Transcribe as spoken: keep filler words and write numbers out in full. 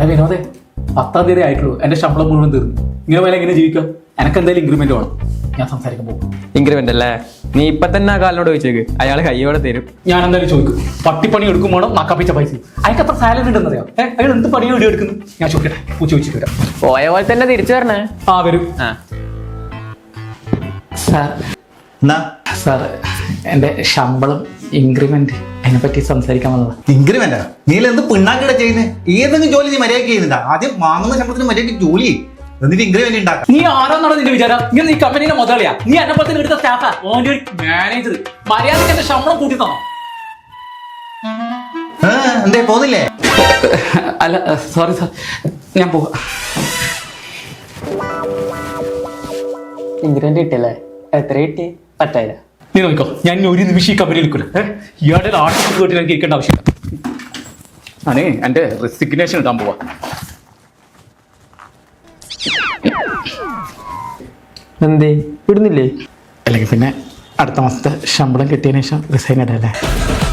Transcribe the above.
എടാ വിനോദേ, പത്താം തീയതി ആയിട്ടുള്ളൂ, എന്റെ ശമ്പളം മുഴുവൻ തീർന്നു. ഇങ്ങനെ പോലെ എങ്ങനെ ജീവിക്കാം? എനക്ക് എന്തായാലും ഇൻക്രിമെന്റ് വേണം. ഞാൻ സംസാരിക്കാൻ പോകും. ഇൻക്രിമെന്റ് അല്ലേ? നീ ഇപ്പൊ തന്നെ ആ കാലിനോട് ചോദിച്ചേക്ക്, അയാൾ കയ്യോടെ തരും. ഞാൻ എന്തായാലും ചോദിക്കും. പട്ടിപ്പണി എടുക്കും വേണം, നക്കാപ്പിച്ച പൈസ. അയാൾക്ക് എത്ര സാലറി ഉണ്ടെന്നറിയാം. ഏഹ് അയാൾ എന്ത് പണിയോ ഇടി എടുക്കുന്നു? ഞാൻ ചോദിക്കട്ടെ, പൂ ചോദിച്ചിട്ട് വരാം. പോയ പോലെ തന്നെ തിരിച്ചു വരണേ. ആ വരും. ആ സാർ, സാർ എന്റെ ശമ്പളം ഇൻക്രിമെന്റ് അതിനെ പറ്റി സംസാരിക്കാൻ വന്നതാ. ഇൻക്രിമെന്റാ? നീ എന്ത് പിണ്ണാക്കിടെ ചെയ്യുന്നത്? ഏതെങ്കിലും ജോലി നീ മര്യാദയ്ക്ക് ചെയ്യുന്നുണ്ടാ? ആദ്യം വാങ്ങുന്ന ശമ്പളത്തിന് മര്യാദയ്ക്ക് ജോലി ചെയ്യും, എന്നിട്ട് ഇൻക്രിമെന്റ് ഉണ്ടാക്കാം. നീ ആരാന്നാണ് നിന്റെ വിചാരം? നീ ഈ കമ്പനിയുടെ മുതലാളിയാ? നീ എന്നെ പോലെ എടുത്ത സ്റ്റാഫാ? ഓന്റെ ഒരു മാനേജർ. മര്യാദയ്ക്ക് എന്റെ ശമ്പളം കൂട്ടി തന്നോ? എന്തേ പോന്നില്ലേ? അല്ല സോറി സാർ, ഞാൻ പോവാ. ഇൻക്രിമെന്റ് കിട്ടിയല്ലേ? എത്ര കിട്ടി? പറ്റായില്ല. നീ നോക്കോ, ഞാൻ ഇനി ഒരു നിമിഷം ഈ കമ്പനിയിൽ നിൽക്കില്ല. ഏഹ് ഇയാളുടെ ആർട്ടിസ്റ്റ് കേട്ടിട്ട് എനിക്ക് കേൾക്കേണ്ട ആവശ്യമില്ല. ഞാനേ എന്റെ റെസിഗ്നേഷൻ ഇടാൻ പോവാ. എന്തേ ഇടുന്നില്ലേ? അല്ലെങ്കിൽ പിന്നെ അടുത്ത മാസത്തെ ശമ്പളം കിട്ടിയതിനു ശേഷം റിസൈൻ ഇടല്ലേ?